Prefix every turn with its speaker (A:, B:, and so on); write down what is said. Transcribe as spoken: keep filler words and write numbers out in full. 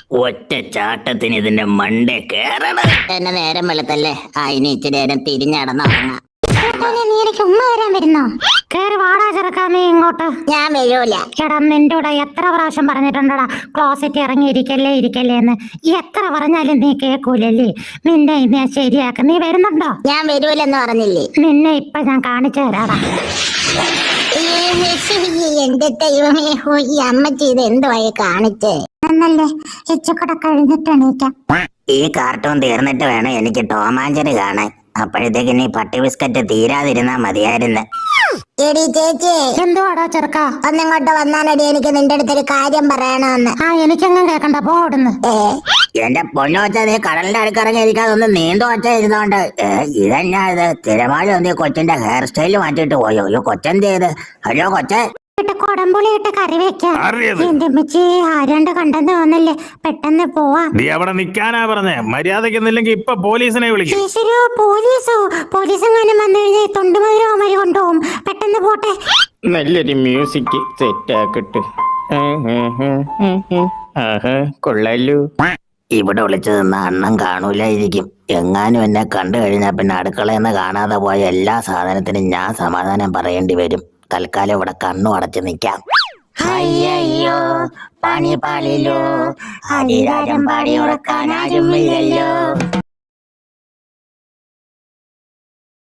A: ഒറ്റ ചാട്ടത്തിന് ഇതിന്റെ മണ്ടേ കേറണം.
B: എന്നെ നേരം വെളുത്തല്ലേ. ആ ഇനി ഇച്ചിരി നേരം തിരിഞ്ഞടന്ന് ഉറങ്ങാം.
C: നീ എനിക്ക് ഉമ്മ വരാൻ വരുന്നോ? കേറി വാടാ ചെറുക്കാമേ ഇങ്ങോട്ട്.
B: ഞാൻ വരൂല.
C: എടാ നിന്റെ കൂടെ എത്ര പ്രാവശ്യം പറഞ്ഞിട്ടുണ്ടടാ ക്ലോസറ്റ് ഇറങ്ങി ഇരിക്കല്ലേ ഇരിക്കല്ലേ എന്ന്. എത്ര പറഞ്ഞാലും നീ കേക്കൂലല്ലേ. നിന്നെ ഞാൻ ശരിയാക്ക. നീ വരുന്നുണ്ടോ?
B: ഞാൻ വരൂലെന്ന് പറഞ്ഞില്ലേ.
C: നിന്നെ ഇപ്പൊ ഞാൻ കാണിച്ചു തരാടാ.
B: എന്റെ ദൈവമേ, ഈ അമ്മച്ചി ഇത് എന്തുവായി കാണിച്ചേ?
C: എന്നല്ലേ ഇച്ചക്കൂടെ കഴിഞ്ഞിട്ട് എണീക്കാം.
B: ഈ കാർട്ടൂൺ തീർന്നിട്ട് വേണം എനിക്ക് ടോമാഞ്ചറി കാണാൻ. അപ്പോഴത്തേക്ക് നീ പട്ടി ബിസ്ക്കറ്റ് തീരാതിരുന്നാ മതിയായിരുന്നു. എടി ചേച്ചി.
C: എന്തുവാടാ ചെറുക്ക?
B: ഒന്നിങ്ങോട്ട് വന്നാലടി, എനിക്ക് നിന്റെ അടുത്തൊരു കാര്യം പറയണമെന്ന്.
C: ആ എനിക്കങ്ങും കേക്കണ്ട, പോടുന്ന്.
B: ഏ എന്റെ പൊന്നു വെച്ചാ നീ കടലിന്റെ അടുക്കിറങ്ങി ഇരിക്കാതൊന്ന് നീണ്ടു വച്ച ഇരുന്നോണ്ട്. ഏ ഇതെന്നാ ഇത്? തിരമാല ഒന്ന് കൊച്ചിന്റെ ഹെയർ സ്റ്റൈല് മാറ്റിട്ട് പോയോ? അയ്യോ കൊച്ചെന്ത് ചെയ്ത്? ഹലോ കൊച്ചേ.
C: കൊടമ്പുളി ഇട്ട് കറി വെക്കാം. എന്റെ അമ്മച്ചി ആരാണ്ട് കണ്ടെന്ന് തോന്നല്ലേ. പെട്ടെന്ന് പോവാ.
D: നീ അവിടെ നിക്കാനാ പറഞ്ഞേ. മര്യാദക്കുന്നില്ലെങ്കിൽ ഇപ്പൊ പോലീസിനെ വിളിക്കും.
C: പോലീസോ? പോലീസ് എങ്ങാനും വന്നു കഴിഞ്ഞാൽ തൊണ്ടുമതിരോ മരി കൊണ്ടുപോകും. പെട്ടെന്ന് പോട്ടെ.
A: നല്ലൊരു മ്യൂസിക് സെറ്റ് ആക്കട്ടെ. കൊള്ളാലോ.
B: ഇവിടെ വിളിച്ചു നിന്ന അണ്ണം കാണൂലായിരിക്കും. എങ്ങാനും എന്നെ കണ്ടു കഴിഞ്ഞാൽ പിന്നെ അടുക്കളയെന്ന് കാണാതെ പോയ എല്ലാ സാധനത്തിനും ഞാൻ സമാധാനം പറയേണ്ടി വരും. തൽക്കാലം ഇവിടെ കണ്ണു അടച്ചു നിൽക്കാം. അയ്യോ പണി പാളിലോ, ഹരിരാജം പാടി ഉറക്കാൻ ആരുമില്ലല്ലോ.